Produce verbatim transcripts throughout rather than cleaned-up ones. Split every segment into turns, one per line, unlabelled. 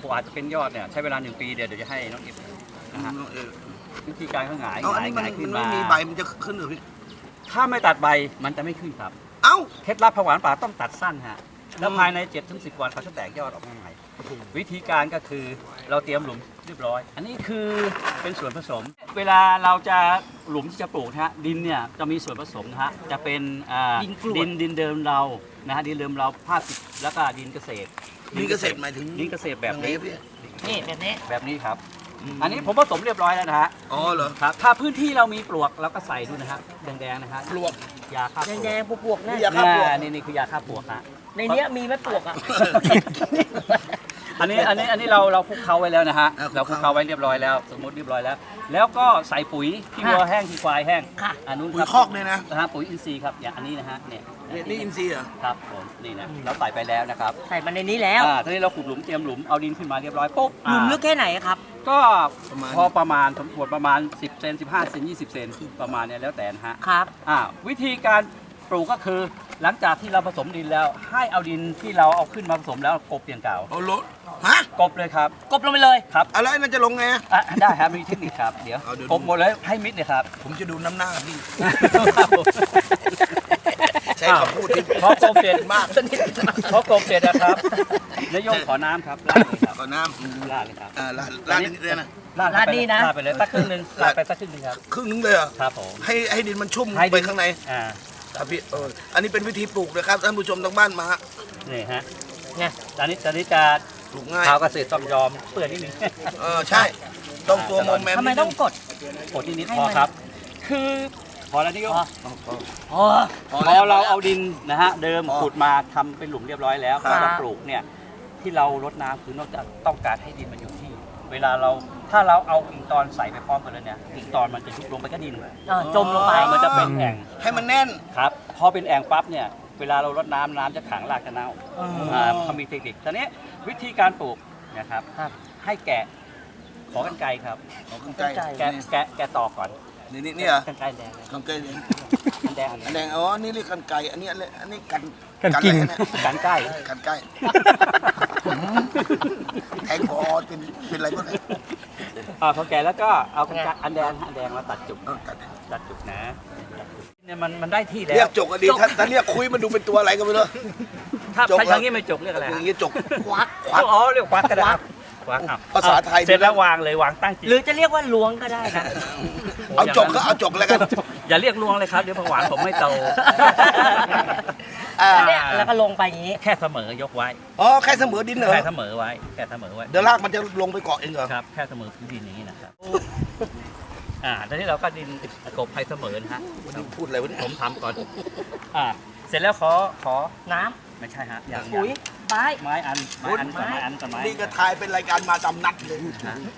กว่าจะเป็นยอดเนี่ยใช้เวลาหนึ่งปีเดี๋ยวเดี๋ยวจะให้น้องอิฟนะฮะวิธีการเขาหงายหงายหงายขึ้นมา
ไม่มีใบมันจะขึ้นหรือพี่
ถ้าไม่ตัดใบมันจะไม่ขึ้นครับ
เอ้า
เคล็ดลับผักหวานป่าต้องตัดสั้นฮะแล้วภายใน เจ็ดถึงสิบ วันเขาจะแตกยอดออกมาใหม่วิธีการก็คือเราเตรียมหลุมเรียบร้อยอันนี้คือเป็นส่วนผสมเวลาเราจะหลุมที่จะปลูกนะฮะดินเนี่ยจะมีส่วนผสมนะฮะจะเป็นดินดินดินเดิมเรานะฮะดินเดิมเราผ้าปิดแล้วก็ดินเกษตร
ดินเกษตรหมายถึง
ดินเกษตรแบบนี้
นี่แบบนี้
แบบนี้ครับอันนี้ผมผสมเรียบร้อยแล้วนะฮะ
อ๋อเหรอ
ครับถ้าพื้นที่เรามีปลวกเราก็ใส่ดูนะฮะแดงๆนะฮะ
ปลวก
ยาฆ่าปลวก
แดงๆปลวกๆนะ
ยาฆ่าปลวก
นี่นี่คือยาฆ่าปลวกฮะ
ในนี้มีไหมปลวกอ่ะ
อันนี้อันนี้อันนี้เราเราคลุกเคล้าไว้แล้วนะฮะเราคลุกเคล้าไว้เรียบร้อยแล้วสมมติเรียบร้อยแล้วแล้วก็ใส่ปุ๋ยขี้วัวแห้งขี้ควายแห้งอันนู้น
ปุ๋ยคอกเนี่ยนะ
นะฮะปุ๋ยอินทรีย์ครับอย่างอันนี้นะฮะเนี่ย
นี่อินทรีย์เหรอ
ครับผมนี่นะเราใส่ไปแล้วนะครับ
ใส่มาในนี้แล้ว
อ่าทีนี้เราขุดหลุมเตรียมหลุมเอาดินขึ้นมาเรียบร้อยปุ๊บ
หลุมลึกแค่ไหนครับ
ก็พอประมาณสมควรประมาณสิบเซนสิบห้าเซนยี่สิบเซนประมาณนี้แล้วแต่นะฮะ
ครับ
อ่าวิธีการปลูกก็คือหลังจากที่เราผสมดินแล้วให้เอาดินที่เราเอาขึ้นมาผสมแล้วกบอย่างเก่า
เอาลดฮะ
กบเลยครับ
กบลงไปเลย
ครับ
อะไรมันจะลงไง
อ่ะได้ครับมีเทคนิคครับเดี๋ยวกบหมดเลยให้มิดเลยครับ
ผมจะดูน้ำหน้าพี่ใช้คำพูดที่
พอกบเสร็จมากพอกบเสร็จนะครับนายโยงขอน้ำครับลาดเลยครับ
ขอน้ำ
ลาดเลยครับ
อ่าลาดลาดนิดเดียวนะ
ลาดนี่นะ
ลาดไปเลยสักครึ่งนึงลาดไปสักครึ่งนึงครับ
ครึ่งนึงเลยเหรอ
ครับผม
ให้ให้ดินมันชุ่มไปข้างใน
อ่า
ครับพี่เอออันนี้เป็นวิธีปลูกนะครับท่านผู้ชมทางบ้านมา
นี่ฮะเนี่ยตอนนี้ตอนนี้จะ
ปลูกง่าย
ชาวเกษตรต้องยอมเปื่อยนิดนึง
เออใช่ต้องตัวโมเมนต์
ทำไมต้องกด
กดนิดนิดพอครับคือพอแล้วนี่ก็
พอ
พอเราเอาดินนะฮะเดิมขุดมาทำเป็นหลุมเรียบร้อยแล้วเราปลูกเนี่ยที่เรารดน้ำคือนอกจากต้องการให้ดินมันอยู่ที่เวลาเราถ้าเราเอากิ่งตอนใส่ไปพร้อมกันแล้วเนี่ยกิ่งตอนมันจะยุบลงไปก็ดิน
จมลงไป
มันจะเป็นแอ่ง
ให้มันแน่น
ครับพอเป็นแอ่งปั๊บเนี่ยเวลาเรารดน้ำน้ำจะขังรากจะเน่าเขามีเทคนิคตอนนี้วิธีการปลูกนะครับให้แกะขอกันไกรครับ
ขอกันไกร
แกะแกะแกะตอกก่อน
นี่นี่นี่เหรอ
กันไกรแดง
กันไกรแดง
แดง
แดงอ๋อนี่เรียกกันไกรอันนี้อันนี้กัน
กันกิ่ง
กันไกร
กันไกรแทงคอเป็นเป็นอะไรก็ได้
อ่าพอแก่แล้วก็เอากันไกรอันแดงอันแดงมาตัดจุกตัดจุกนะเนี่ยมันมันได้ที่แล้ว
เรียกจกก็ดีถ้าเรียกคุยมันดูเป็นตัวอะไรก็ไม่รู้
ถ้าใช้ทางนี้ไม่จกเรียกอะไร
อย่างนี้จกควัก
ควักอ๋อเรียกควักก็ได้
ภาษาไทย
เสร็จแล้ววางเลยวางตั้งจิต
หรือจะเรียกว่าล้วงก็ได้นะ
เอาจกก็เอาจกแล้วกัน
อย่าเรียกล้วงเลยครับเดี๋ยวผักหวานผมไม่โต
เนี่ยแล้วก็ลงไปอย่างนี้
แค่เสมอยกไว้
อ๋อแค่เสมอดินเหรอ
แค่เสมอไว้แค่เสมอไว้
เดี๋ยวรากมันจะลงไปเกาะเองเหรอ
ครับแค่เสมอพื้นดินอย่างนี้นะครับอ่าตอนนี้เราก็ดินกบให้เสมอนะฮะ
พูดอะไรวะเนี่ย
ผมทำก่อนอ่าเสร็จแล้วขอขอ
น้
ำไม่ใช่ฮะอย่าง
ปุ๋ยไม้
ไม้อันไม้อันไม้อันกับไม้
นี่ก็ทายเป็นรายการมาจำนัดเลย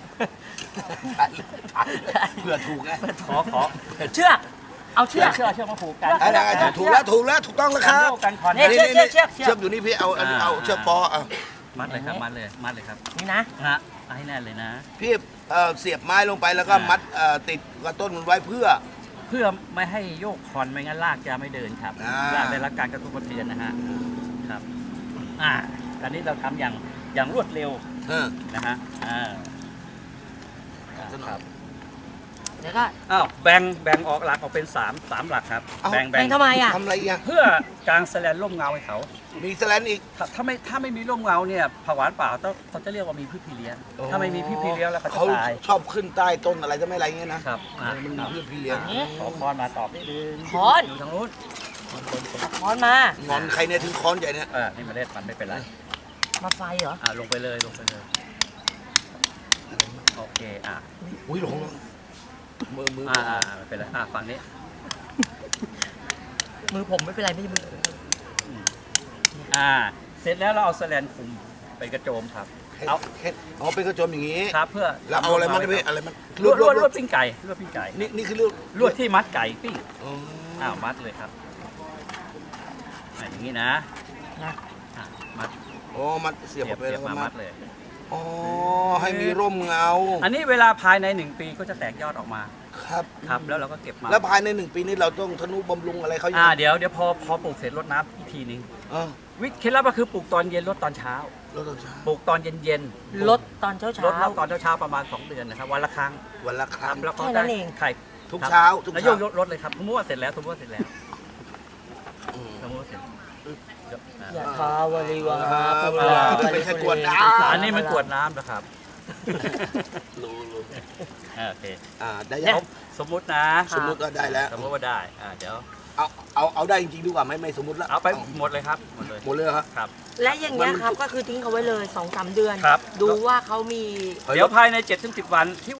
เพื่อถูกไง
ขอขอ
เชือกเอาเชือก
เชือกเชือกมาผูกกัน
ถูกแล้วถูกแล้วถูกต้องแล้วครับ
นี่เชือกเชือกเชือก
เชือกอยู่นี่พี่เอาเอาเชือกปอเอา
มัดเลยครับมัดเลยมัดเลยครับ
นี่นะ
ฮะให้แน่นเลยนะ
พี่เสียบไม้ลงไปแล้วก็มัดติดกับต้นมันไว้เพื่อ
เพื่อไม่ให้โยกคอนไม่งั้นรากจะไม่เดินครับรากได้รับการกระตุ้นกระเทือนนะฮะครับอ่าตอนนี้เราทำอย่างอย่างรวดเร็วนะฮะอ่าครับ
เดี๋ยวก็
อ้าวแบ่งแบ่งออกหลักออกเป็นสามสามหลักครับ
แบ่งแบ่งทำไมอ่ะ
ทำอะไรอ่ะ
เพื่อกางแสลนร่มเงาให้เขา
มีแสลนอีก
ถ้าไม่ถ้าไม่มีร่มเงาเนี่ยผักหวานป่าต้องเขาจะเรียกว่ามีพืชพี่เลี้ยงถ้าไม่มีพืชพี่เลี้ยงแล้วเขาจะตาย
ชอบขึ้นใต้ต้นอะไรจะไม่อะไรเงี้ยนะครับมันมีพืชพี่เลี้ยง
ขอคอนมาตอบนิดนึง
คอน
อยู่ทางนู้น
คอนมาง
อนใครเนี่ยถึงคอนใหญ่เนี่ย
เออนี่มาเล่นมันไม่เป็นไร
มาไฟเหรอ
อ่าลงไปเลยลงไปเลยโอเคอ่ะ
อุ้ยลงแล้วมือมือ
อ่าอ่าไม่เป็นไรอ่าฝั่งนี้
มือผมไม่เป็นไรไม่ใช่มือ
อ่าเสร็จแล้วเราเอาแสลนคุมไปกระโจมครับ
เอาเอาเป็นกระโจมอย่างนี้
ครับเพื่อ
เราเอาอะไรมันไปอะไรมัน
ลวดลวดลวดปิ้งไก่ลวดปิ้งไก่
นี่นี่คือลวด
ลวดที่มัดไก่ปิ้งอ้าวมัดเลยครับอย่างนี้นะ
นะ
มัด
โอ้มัดเสียบไปแล้ว
มามัดเลย
อ๋อให้มีร่มเงา
อันนี้เวลาภายในหนึ่งปีก็จะแตกยอดออกมา
ครับ
ครับแล้วเราก็เก็บมา
แล้วภายในหนึ่งปีนี้เราต้องทนุบำรุงอะไรเขาอยู่
อ่าเดี๋ยวเดี๋ยวพอพอปลูกเสร็จรดน้ำอีกทีนึง
เออ
วิธีเคล็ดลับก็คือปลูกตอนเย็นลดตอนเช้า
เราต้องใช้
ปลูกตอนเย็นเย็น
ลดตอนเช้า
ล
เช้า
ดรอบตอนเช้าๆประมาณสองเดือนนะครับวันละครั้ง
วันละค
ค
รั้
รั
ง
บแล้วก็
แค่นั้นเอง
ไข่
ทุก
ครับ
เช้าทุก
แล้วโย
เช้าก
ยกรถเลยครับสมมติว่าเสร็จแล้วสมมติว่าเสร็จแล้ว
อืม
สมมติว่าเสร็จ
อย่าทาวริวา
อ่า
ปุ
เว
รา
ลาที่เป็นแค่กวดน้ำ
อันนี้มันกวดน้ำนะครับ
รู้รู้
อ่าโอเค
อ่าได้
เดี๋
ยั
ยว
ง
สมมุตินะ
สมมุติว่าได้แล้ว
สมมติว่าได้อ่าเดี๋ยว
เอาเอาเอาได้จริงๆดีกว่าไหมไม่สมมติแล้ว
เอาไปหมดเลยครับหมดเลย
หมดเลยเหรอครับ
ครับ
และอย่างเงี้ยครับก็คือทิ้งเขาไว้เลยสองสามเดือน
ครับ
ดูว่าเขามี
เดี๋ยวภายในเจ็ดถึงสิบวันที่